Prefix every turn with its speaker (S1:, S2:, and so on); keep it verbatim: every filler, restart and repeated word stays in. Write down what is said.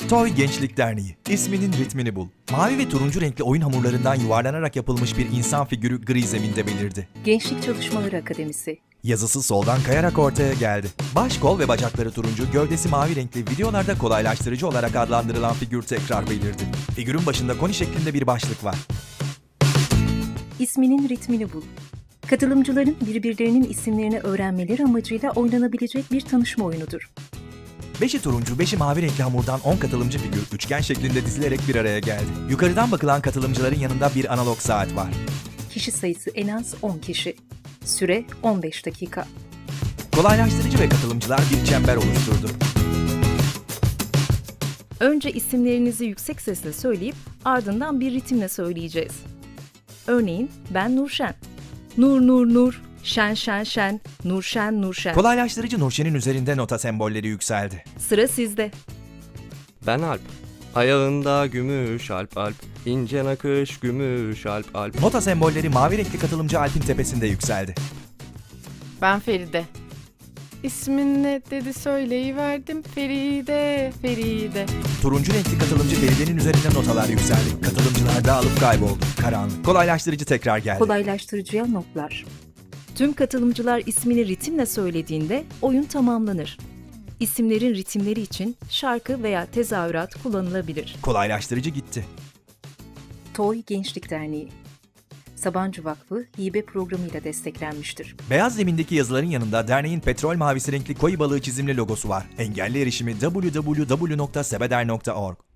S1: Toy Gençlik Derneği, isminin ritmini bul. Mavi ve turuncu renkli oyun hamurlarından yuvarlanarak yapılmış bir insan figürü gri zeminde belirdi.
S2: Gençlik Çalışmaları Akademisi.
S1: Yazısı soldan kayarak ortaya geldi. Baş, kol ve bacakları turuncu, gövdesi mavi renkli videolarda kolaylaştırıcı olarak adlandırılan figür tekrar belirdi. Figürün başında koni şeklinde bir başlık var.
S2: İsminin ritmini bul. Katılımcıların birbirlerinin isimlerini öğrenmeleri amacıyla oynanabilecek bir tanışma oyunudur.
S1: Beşi turuncu, beşi mavi renkli hamurdan on katılımcı figür üçgen şeklinde dizilerek bir araya geldi. Yukarıdan bakılan katılımcıların yanında bir analog saat var.
S2: Kişi sayısı en az on kişi. Süre on beş dakika.
S1: Kolaylaştırıcı ve katılımcılar bir çember oluşturdu.
S2: Önce isimlerinizi yüksek sesle söyleyip ardından bir ritimle söyleyeceğiz. Örneğin ben Nurşen. Nur nur nur, şen şen şen, Nurşen Nurşen.
S1: Kolaylaştırıcı Nurşen'in üzerinde nota sembolleri yükseldi.
S2: Sıra sizde.
S3: Ben Alp. Ayağında gümüş alp alp, ince nakış gümüş alp alp.
S1: Nota sembolleri mavi renkli katılımcı Alp'in tepesinde yükseldi.
S4: Ben Feride. İsmin ne dedi söyleyiverdim. Feride, Feride.
S1: Turuncu renkli katılımcı Feride'nin üzerinde notalar yükseldi. Katılımcılar dağılıp kayboldu. Karanlık. Kolaylaştırıcı tekrar geldi.
S2: Kolaylaştırıcıya notlar. Tüm katılımcılar ismini ritimle söylediğinde oyun tamamlanır. İsimlerin ritimleri için şarkı veya tezahürat kullanılabilir.
S1: Kolaylaştırıcı gitti.
S2: Toy Gençlik Derneği. Sabancı Vakfı hibe programıyla desteklenmiştir.
S1: Beyaz zemindeki yazıların yanında derneğin petrol mavisi renkli koyu balığı çizimli logosu var. Engelli erişimi double-u double-u double-u nokta sebeder nokta org.